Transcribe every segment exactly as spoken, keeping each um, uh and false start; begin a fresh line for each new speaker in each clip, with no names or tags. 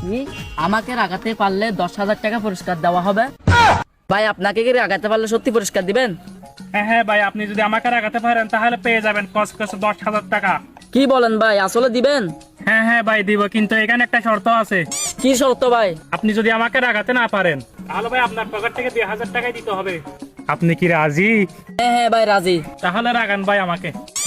আমাকে রাগাতে পারলে দশ হাজার টাকা পুরস্কার দেওয়া হবে। ভাই আপনাকে কি রাগাতে পারলে সত্যি পুরস্কার দিবেন?
হ্যাঁ হ্যাঁ ভাই, আপনি যদি আমাকে রাগাতে পারেন তাহলে পেয়ে যাবেন কসকসে দশ হাজার টাকা।
কি বলেন ভাই, আসলে দিবেন?
হ্যাঁ হ্যাঁ ভাই দিব, কিন্তু এখানে একটা শর্ত আছে।
কি শর্ত ভাই?
আপনি যদি আমাকে রাগাতে না পারেন তাহলে ভাই আপনার পকেট থেকে দুই হাজার টাকাই দিতে হবে। আপনি কি রাজি?
হ্যাঁ হ্যাঁ ভাই রাজি।
তাহলে রাগান ভাই আমাকে।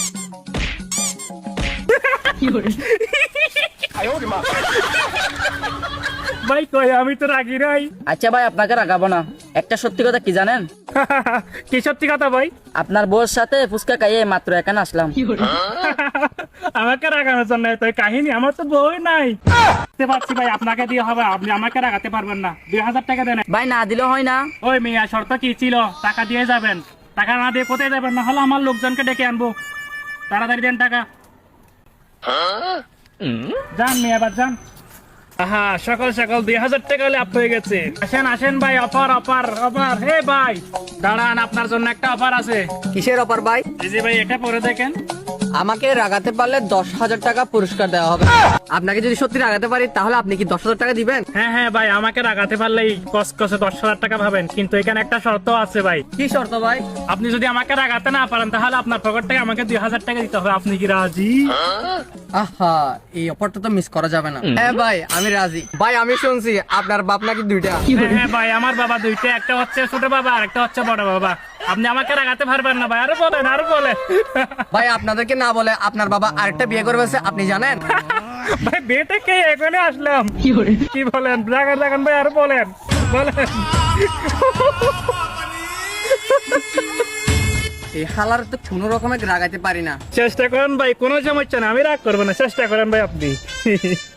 ভাই কই, আমি তো রাগি নাই।
আচ্ছা ভাই আপনাকে রাগাবো না। একটা সত্যি কথা কি জানেন?
কি সত্যি কথা ভাই?
আপনার বউর সাথে ফুচকা খাইয়ে মাত্র এখানে আসলাম।
আমাকে রাগানোর জন্য তো কাহিনী, আমার তো বই নাই। বুঝতে পারছি ভাই, আপনাকে দিয়ে হবে, আপনি আমাকে রাগাতে পারবেন না। দুই হাজার টাকা দেন।
ভাই না দিলেও হয় না?
ওই মিয়া, শর্ত কি ছিল? টাকা দিয়ে যাবেন। টাকা না দিয়ে কোথায় যাবেন? না হলে আমার লোকজনকে ডেকে আনবো। তাড়াতাড়ি দেন টাকা। যান মিয়া, এবার যান। আহা, সকাল সকাল দুই হাজার টাকা লাভ হয়ে গেছে। আসেন আসেন ভাই, অফার অফার অফার। হে ভাই দাঁড়ান, আপনার জন্য একটা অফার আছে।
কিসের অফার ভাই?
এই যে ভাই, এটা পরে দেখেন।
আমাকে রাগাতে পারলে দশ হাজার টাকা পুরস্কার দেওয়া হবে। আপনাকে যদি সত্যি রাগাতে পারি তাহলে আপনি কি দশ হাজার টাকা দিবেন?
হ্যাঁ হ্যাঁ ভাই, আমাকে রাগাতে পারলেই কসকসে দশ হাজার টাকা পাবেন, কিন্তু এখানে একটা শর্ত আছে ভাই।
কি শর্ত ভাই?
আপনি যদি আমাকে রাগাতে না পারেন তাহলে আপনার পকেট থেকে আমাকে দুই হাজার টাকা দিতে হবে। আপনি কি রাজি?
আহা, এই অফারটা তো মিস করা যাবে না। হ্যাঁ ভাই আমি রাজি। ভাই আমি শুনছি আপনার বাপ নাকি দুইটা।
হ্যাঁ হ্যাঁ ভাই, আমার বাবা দুইটা, একটা হচ্ছে ছোট বাবা আর একটা হচ্ছে বড় বাবা। আপনি আমাকে রাগাতে পারবেন না ভাই, আরো বলেন আরো বলেন।
ভাই আপনাদেরকে না বলে আপনার বাবা আরেকটা বিয়ে করবে আপনি জানেন?
ভাই বিয়েটা কে, এখানে আসলাম। কি বলেন? রাগান রাগান ভাই, আরো বলেন বলেন।
এই হালার তো কোনো রকমের রাগাতে পারি না।
চেষ্টা করেন ভাই, কোনো সমস্যা না, আমি রাগ করবো না। চেষ্টা করেন ভাই আপনি।